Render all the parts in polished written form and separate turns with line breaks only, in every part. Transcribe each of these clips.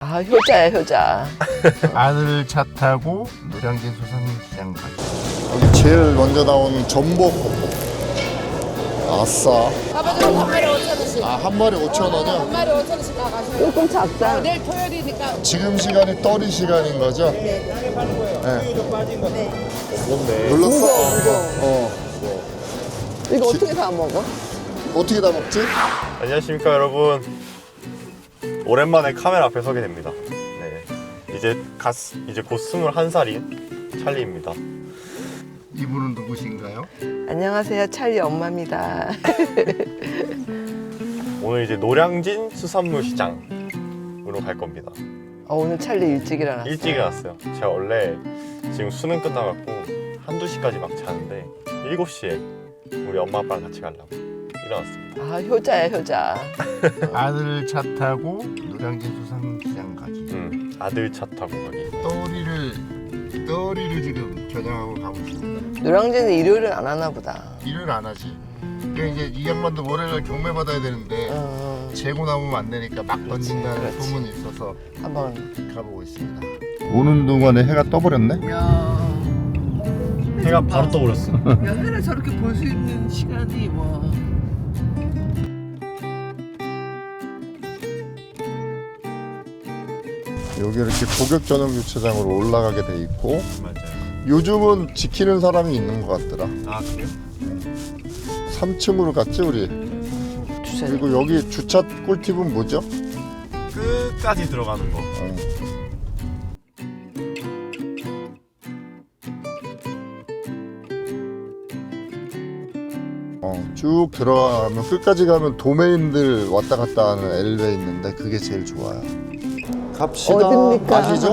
아, 효자야, 효자.
아들 차 타고 노량진 수산시장 가기.
여기 제일 먼저 나온 전복. 아싸.
가봐주고 한 마리 5,000원씩.
아, 한 마리 5,000원이요?
한 마리 5,000원씩 나가시면.
조금 작다.
내일 토요일이니까.
지금 시간이 떨이 시간인 거죠?
네. 네.
눌렀어?
무거워. 이거 어떻게 다 먹어?
어떻게 다 먹지?
안녕하십니까 여러분. 오랜만에 카메라 앞에 서게 됩니다. 네, 이제 곧 21살인 찰리입니다.
이분은 누구신가요?
안녕하세요, 찰리 엄마입니다.
오늘 이제 노량진 수산물 시장으로 갈 겁니다.
오늘 찰리 일찍 일어났어.
일찍 일어났어요. 제가 원래 지금 수능 끝나갖고 한두 시까지 막 자는데 7시에 우리 엄마 아빠랑 같이 가려고 일어났습니다.
아, 효자야, 효자.
아들 차 타고 노량진 수산시장 가기.
아들 차 타고 가기.
떠리를 지금 겨냥하고 가고 있습니다.
노량진은 일요일은 안 하나 보다.
일을 안 하지. 그러니까 이제 이 양반도 월요일날 경매 받아야 되는데 재고 남으면 안 되니까 막 던진다는
그렇지.
소문이 있어서
한번.
가보고 있습니다. 오는 동안에 해가 떠버렸네.
야,
해가 바로 떠버렸어.
해를 저렇게 볼 수 있는 시간이 뭐.
여기 이렇게 고객 전용 주차장으로 올라가게 돼 있고
맞아요.
요즘은 지키는 사람이 있는 것 같더라.
아 그래요?
3층으로 갔지 우리.
주차장.
그리고 여기 주차 꿀팁은 뭐죠?
끝까지 들어가는 거.
쭉 들어가면 끝까지 가면 도메인들 왔다 갔다 하는 엘리베이터 있는데 그게 제일 좋아요. 갑시다.
어딥니까?
아시죠?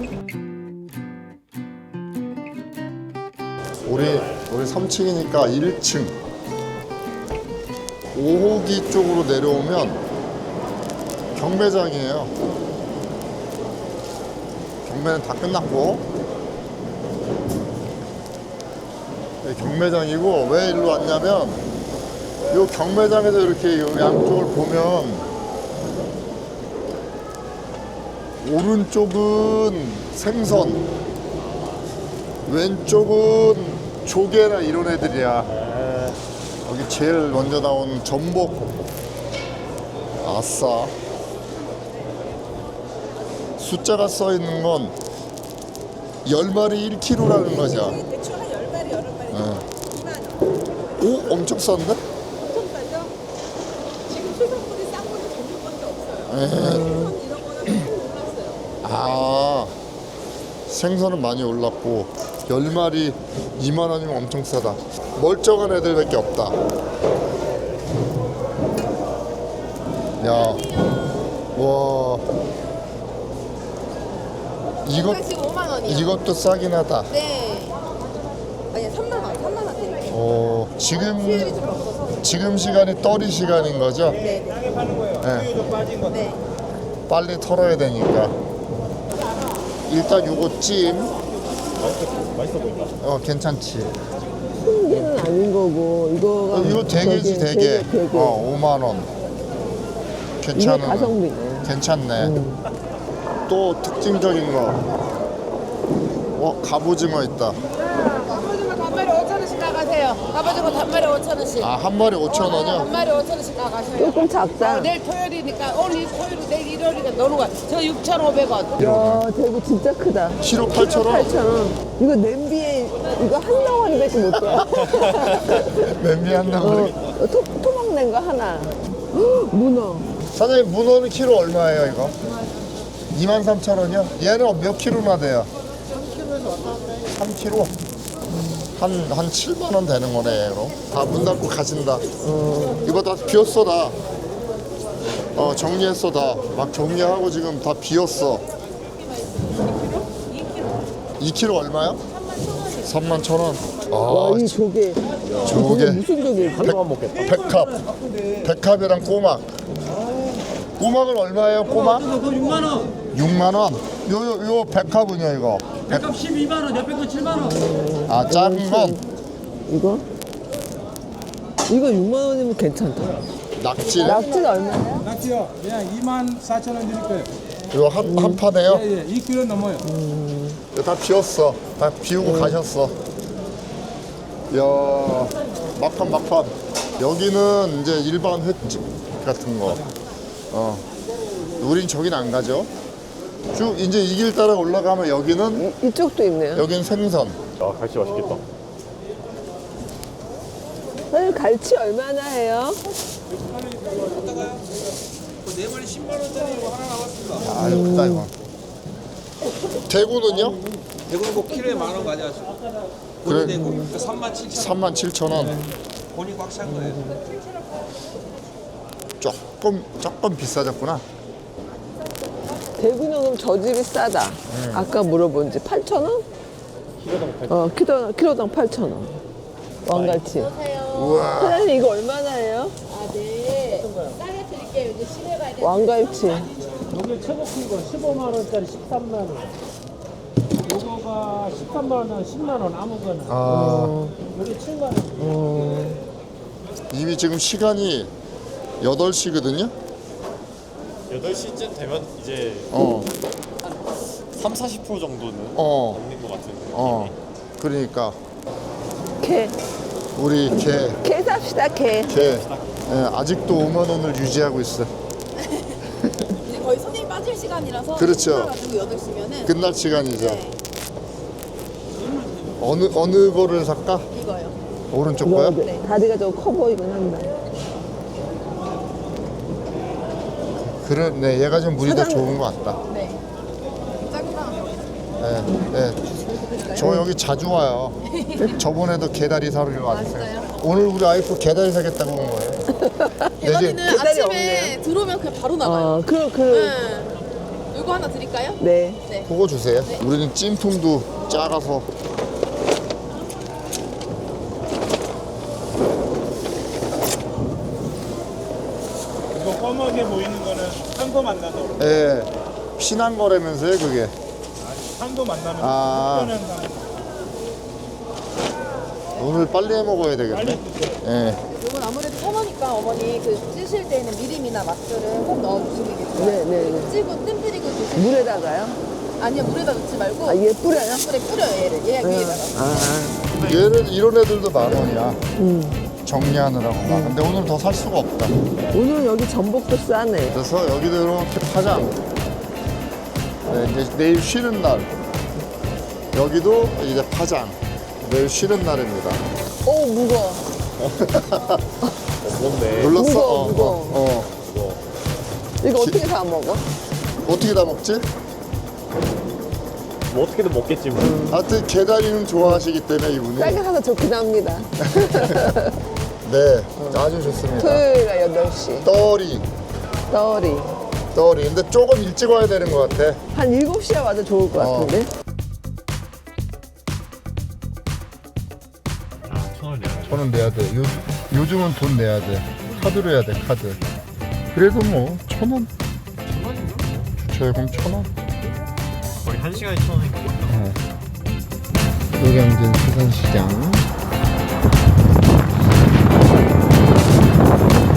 우리 3층이니까 1층 5호기 쪽으로 내려오면 경매장이에요. 경매는 다 끝났고 네, 경매장이고 왜 일로 왔냐면 요 경매장에서 이렇게 요 양쪽을 보면 오른쪽은 생선, 왼쪽은 조개나 이런 애들이야. 여기 제일 먼저 나온 전복. 아싸. 숫자가 써 있는 건 10마리 1kg라는 거죠.
대충 한 10마리, 8마리. 2만 원.
오, 엄청 싼데?
엄청 싸죠? 지금 수산물이 싼 거는 전복밖에 없어요.
에.
생선 이런 거는 많이 올랐어요.
아, 생선은 많이 올랐고 10마리 2만 원이면 엄청 싸다. 멀쩡한 애들밖에 없다. 야, 와,
지금 5만 원이요.
이것도 싸긴 하다.
네. 아니 3만 원, 3만 원 드릴게요. 수율이 좀 없어서.
지금 시간이 떨이 시간인 거죠?
네.
네.
네.
빨리 털어야 되니까. 일단 요거 찜.
맛있어 보인다.
괜찮지.
는 아닌 거고 이거가
이거 대게지 대게. 5만 원.
이게
괜찮은.
가성비네.
괜찮네. 또 특징적인 거. 갑오징어 있다.
갑오징어 단마리 5,000원씩 나가세요. 갑오징어 단마리 5,000원씩.
아, 한 마리 5,000원이요?
한 마리 5,000원씩 나가세요.
조금 작다.
내일 토요일이니까 오늘 토요일 내일 일요일이니까 놀러 가. 저 6,500원.
야, 대구 진짜 크다.
키로 8,000원?
8,000원. 이거 냄비에 이거 한 덩어리밖에 못 돼.
맨비 한 덩어리.
토막 낸 거 하나. 문어.
사장님, 문어는 키로 얼마예요, 이거? 23,000원이요? 얘는 몇 킬로나 돼요? 3kg? 한 7만 원 되는 거네, 얘로. 다 문 닫고 가신다. 이거 다 비었어, 다. 정리했어, 다. 막 정리하고 지금 다 비었어. 2kg 얼마요? 31,000원.
와, 이 조개.
조개.
무슨 조개?
한동안 먹겠다.
백합이랑 꼬막. 꼬막은 얼마예요, 꼬막?
6만 원.
6만 원. 요 백합은요, 이거?
백합 12만 원, 옆에 건 7만 원.
아, 작은 건
이거? 이거 6만 원이면 괜찮다.
낙지.
낙지는 얼마야?
낙지요. 그냥 2만 4천 원 드릴 거예요.
이거 한 파네요?
예, 2kg 넘어요.
이거 다 비웠어. 다 비우고 가셨어. 이야, 막판. 여기는 이제 일반 횟집 같은 거. 우린 저긴 안 가죠. 쭉 이제 이 길 따라 올라가면 여기는
이쪽도 있네요.
여긴 생선.
아 갈치 맛있겠다.
사장님 갈치 얼마나 해요?
네 마리 10만 원짜리 이거 하나 나왔습니다.
아, 이거 크다 이거. 대구는요?
대구는 뭐 키로에 10,000원 가져가시고.
그래.
대구 37,000원.
37,000원.
본이 꽉 찬 거예요.
조금 비싸졌구나.
대구는 그럼 저 집이 싸다. 아까 물어본 집 8,000원? 키로당 8,000원. 왕갈치.
우와.
사장님 이거 얼마나 해요?
아, 네. 싸게 드릴게요. 이제 시내 가야 돼.
왕갈치.
요게 최고 큰 거 15만 원짜리 13만 원. 요거가 13만 원, 10만 원 아무거나.
아,
요게 7만 원.
이미 지금 시간이 8시거든요?
8시쯤 되면 이제
어,
30-40% 정도는
어,
먹는 것 같은데.
그러니까
개.
우리
개 삽시다, 개.
아직도 5만 원을 유지하고 있어.
이제 거의 손님 빠질 시간이라서.
그렇죠.
가지고 8시면은.
끝날 시간이죠.
네,
어느 거를 살까?
이거요.
오른쪽 거요?
다리가 좀 커 보이긴 한다.
그래, 얘가 좀 물이 더 좋은 것 같다.
네. 작은 거 하나.
네. 저 여기 자주 와요. 저번에도 개다리 사러 왔어요.
진짜요?
오늘 우리 아이프 개다리 사겠다고 온 거예요.
대가리는
계단이
아침에
없네요.
들어오면 그냥 바로 나가요. 네. 이거 하나 드릴까요?
네.
그거 주세요. 우리는 찜통도 작아서.
이거 검하게 보이는 거는 산도 만나서
예. 피난 거라면서요, 그게.
산도 만나면
아.
특별한 산.
오늘 빨리 해 먹어야 되겠네. 예.
이건 아무래도 처음이니까 어머니 그 찌실 때는 미림이나 맛술은 꼭 넣어주시는 게 좋아요.
네.
찌고 뜸 들이고 드시고.
물에다가요?
아니요, 물에다 넣지 말고.
아, 얘 뿌려요?
물에 뿌려요, 얘를. 얘 위에다가.
얘는 이런 애들도 10,000원이야. 정리하느라고 막. 근데 오늘 더 살 수가 없다.
오늘 여기 전복도 싸네.
그래서 여기도 이렇게 파장. 네, 이제 내일 쉬는 날. 여기도 이제 파장. 내일 쉬는 날입니다.
오, 무거워.
무겁네.
눌렀어?
무거워. 이거 어떻게 다 먹어?
어떻게 다 먹지?
뭐 어떻게든 먹겠지 뭐.
하여튼 개다리는 좋아하시기 때문에 이분이.
싸게 사서 좋긴 합니다.
네, 아주 좋습니다.
토요일에 8시.
떠리. 근데 조금 일찍 와야 되는 것 같아.
한 7시에 와도 좋을 것 같은데?
아, 1,000원 내야
1,000원 내야 돼. 요즘은 돈 내야 돼. 카드로 해야 돼, 카드. 그래도 뭐 1,000원. 1,000원? 그럼 1,000원?
거의 1시간에 1,000원이니까.
노량진 수산시장.